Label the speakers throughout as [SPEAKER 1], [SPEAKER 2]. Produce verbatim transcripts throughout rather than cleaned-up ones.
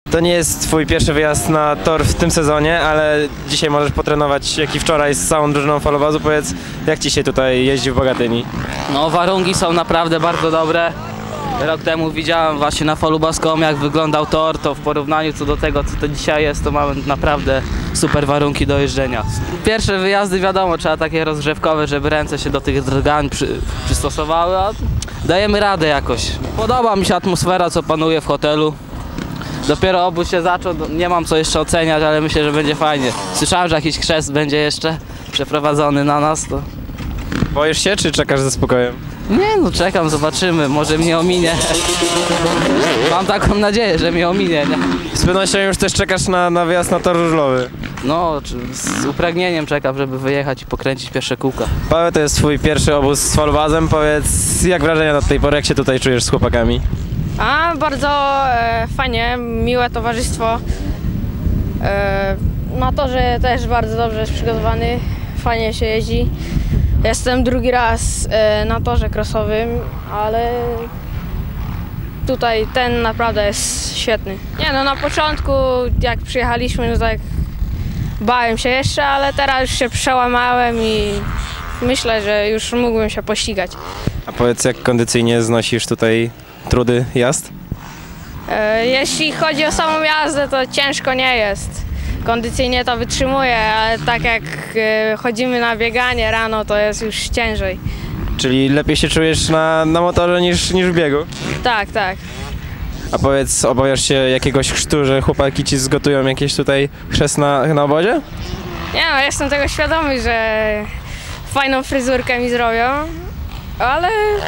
[SPEAKER 1] To nie jest twój pierwszy wyjazd na tor w tym sezonie, ale dzisiaj możesz potrenować jak i wczoraj z całą drużyną falobazu. Powiedz, jak ci się tutaj jeździ w Bogatyni?
[SPEAKER 2] No, warunki są naprawdę bardzo dobre. Rok temu widziałem właśnie na falu baskom, jak wyglądał tor, to w porównaniu co do tego, co to dzisiaj jest, to mamy naprawdę super warunki do jeżdżenia. Pierwsze wyjazdy, wiadomo, trzeba takie rozgrzewkowe, żeby ręce się do tych drgań przy, przystosowały, a dajemy radę jakoś. Podoba mi się atmosfera, co panuje w hotelu. Dopiero obóz się zaczął, nie mam co jeszcze oceniać, ale myślę, że będzie fajnie. Słyszałem, że jakiś chrzest będzie jeszcze przeprowadzony na nas. To...
[SPEAKER 1] Boisz się, czy czekasz ze spokojem?
[SPEAKER 2] Nie no, czekam, zobaczymy, może mnie ominie. Mam taką nadzieję, że mnie ominie, nie?
[SPEAKER 1] Z pewnością już też czekasz na, na wyjazd na tor żużlowy.
[SPEAKER 2] No, z upragnieniem czekam, żeby wyjechać i pokręcić pierwsze kółka.
[SPEAKER 1] Paweł, to jest twój pierwszy obóz z falobazem. Powiedz, jak wrażenia na tej pory, jak się tutaj czujesz z chłopakami?
[SPEAKER 3] A, bardzo e, fajnie, miłe towarzystwo. E, na torze też bardzo dobrze jest przygotowany, fajnie się jeździ. Jestem drugi raz e, na torze crossowym, ale tutaj ten naprawdę jest świetny. Nie no, na początku jak przyjechaliśmy, no tak bałem się jeszcze, ale teraz już się przełamałem i myślę, że już mógłbym się pościgać.
[SPEAKER 1] A powiedz, jak kondycyjnie znosisz tutaj trudy jazd?
[SPEAKER 3] E, jeśli chodzi o samą jazdę, to ciężko nie jest. Kondycyjnie to wytrzymuję, ale tak jak e, chodzimy na bieganie rano, to jest już ciężej.
[SPEAKER 1] Czyli lepiej się czujesz na, na motorze niż, niż w biegu?
[SPEAKER 3] Tak, tak.
[SPEAKER 1] A powiedz, obawiasz się jakiegoś chrztu, że chłopaki ci zgotują jakieś tutaj chrzest na, na obozie?
[SPEAKER 3] Nie no, jestem tego świadomy, że fajną fryzurkę mi zrobią, ale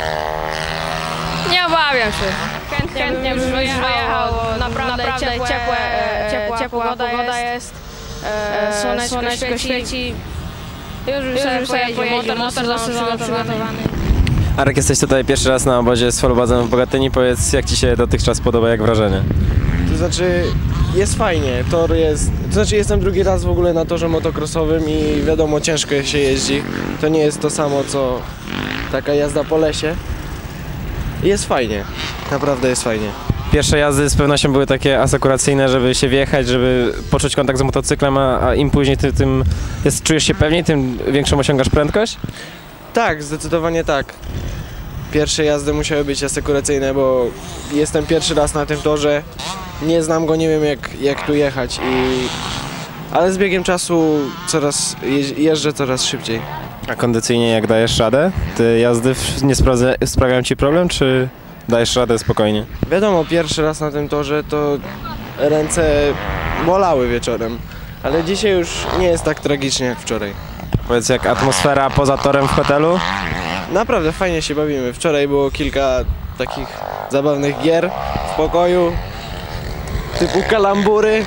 [SPEAKER 3] nie obawiam się. Chętnie, Chętnie bym wyjechał, naprawdę, naprawdę ciepłe, ciepłe, ciepła, ciepła pogoda, pogoda jest, jest słoneczko, słoneczko świeci. świeci. Już bym sobie pojeździł, motor, motor zawsze przygotowany.
[SPEAKER 1] Arek, jesteś tutaj pierwszy raz na obozie z falobazem w Bogatyni. Powiedz, jak ci się dotychczas podoba, jak wrażenie?
[SPEAKER 4] To znaczy, jest fajnie, tor jest, to znaczy jestem drugi raz w ogóle na torze motocrossowym i wiadomo, ciężko się jeździ. To nie jest to samo, co taka jazda po lesie. Jest fajnie, naprawdę jest fajnie.
[SPEAKER 1] Pierwsze jazdy z pewnością były takie asekuracyjne, żeby się wjechać, żeby poczuć kontakt z motocyklem, a, a im później ty, tym jest, czujesz się pewniej, tym większą osiągasz prędkość?
[SPEAKER 4] Tak, zdecydowanie tak. Pierwsze jazdy musiały być asekuracyjne, bo jestem pierwszy raz na tym torze. Nie znam go, nie wiem jak, jak tu jechać, i... ale z biegiem czasu coraz, jeżdżę coraz szybciej.
[SPEAKER 1] A kondycyjnie jak dajesz radę? Te jazdy nie sprawdza, sprawiają ci problem, czy dajesz radę spokojnie?
[SPEAKER 4] Wiadomo, pierwszy raz na tym torze to ręce bolały wieczorem, ale dzisiaj już nie jest tak tragicznie jak wczoraj.
[SPEAKER 1] Powiedz, jak atmosfera poza torem w hotelu?
[SPEAKER 4] Naprawdę fajnie się bawimy. Wczoraj było kilka takich zabawnych gier w pokoju, typu kalambury.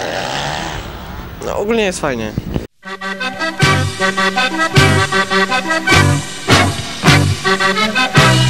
[SPEAKER 4] No ogólnie jest fajnie.
[SPEAKER 5] We'll be right back.